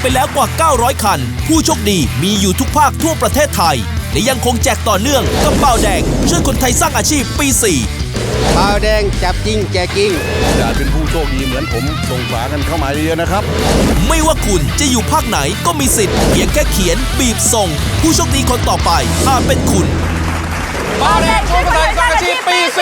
ไปแล้วกว่า900คันผู้โชคดีมีอยู่ทุกภาคทั่วประเทศไทยและยังคงแจกต่อเนื่องกับเบาแดงช่วยคนไทยสร้างอาชีพปี 4 เบาแดงจับจริงแจกจริงอยากเป็นผู้โชคดีเหมือนผมส่งฝากันเข้ามาเยอะๆนะครับไม่ว่าคุณจะอยู่ภาคไหนก็มีสิทธิ์เพียงแค่เขียนบีบส่งผู้โชคดีคนต่อไปอาจเป็นคุณเบาแดงช่วยคนไทยสร้างอาชีพปี 4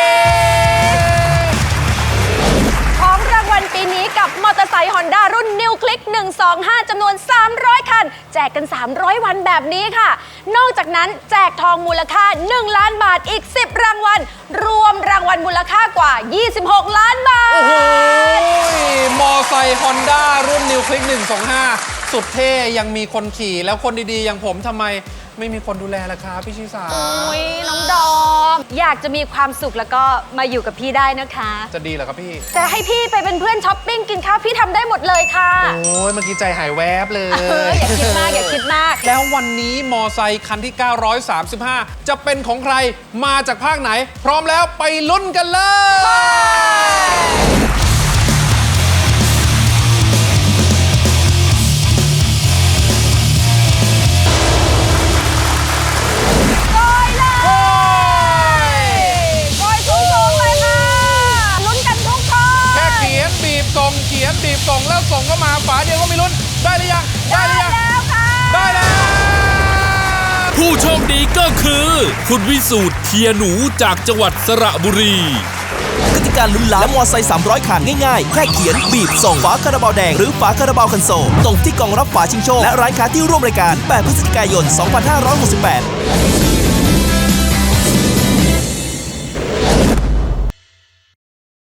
ของรางวัลปีนี้กับมอเตอร์ไซค์ฮอนด้ารุ่นนิวคลิก125จำนวน300คันแจกกัน300วันแบบนี้ค่ะนอกจากนั้นแจกทองมูลค่า1ล้านบาทอีก10รางวัลรวมรางวัลมูลค่ากว่า26ล้านบาทโอ้โหมอไซค์ฮอนด้ารุ่นนิวคลิก125สุดเท่ยังมีคนขี่แล้วคนดีๆอย่างผมทำไมไม่มีคนดูแลล่ะครับพี่ชิสาโอ้ยน้องดอมอยากจะมีความสุขแล้วก็มาอยู่กับพี่ได้นะคะจะดีเหรอครับพี่แต่ให้พี่ไปเป็นเพื่อนช้อปปิ้งกินข้าวพี่ทำได้หมดเลยค่ะโอ้ยเมื่อกี้ใจหายแวบเลยอย่าคิดมากอย่าคิดมากแล้ววันนี้มอไซค์คันที่935จะเป็นของใครมาจากภาคไหนพร้อมแล้วไปลุ้นกันเลยเขียนบีบส่งแล้วส่งเข้ามาฝาเดียวก็ไม่ลุ้นได้หรือยังได้แล้วค่ะได้แล้วผู้โชคดีก็คือคุณวิสูตรเทียหนูจากจังหวัดสระบุรีกติกาลุ้นล้านมอไซค์300คันง่ายๆแค่เขียนบีบส่งฝาคาราบาวแดงหรือฝาคาราบาวคันโซลตรงที่กล่องรับฝาชิงโชคและร้านค้าที่ร่วมรายการ8พฤศจิกายน2568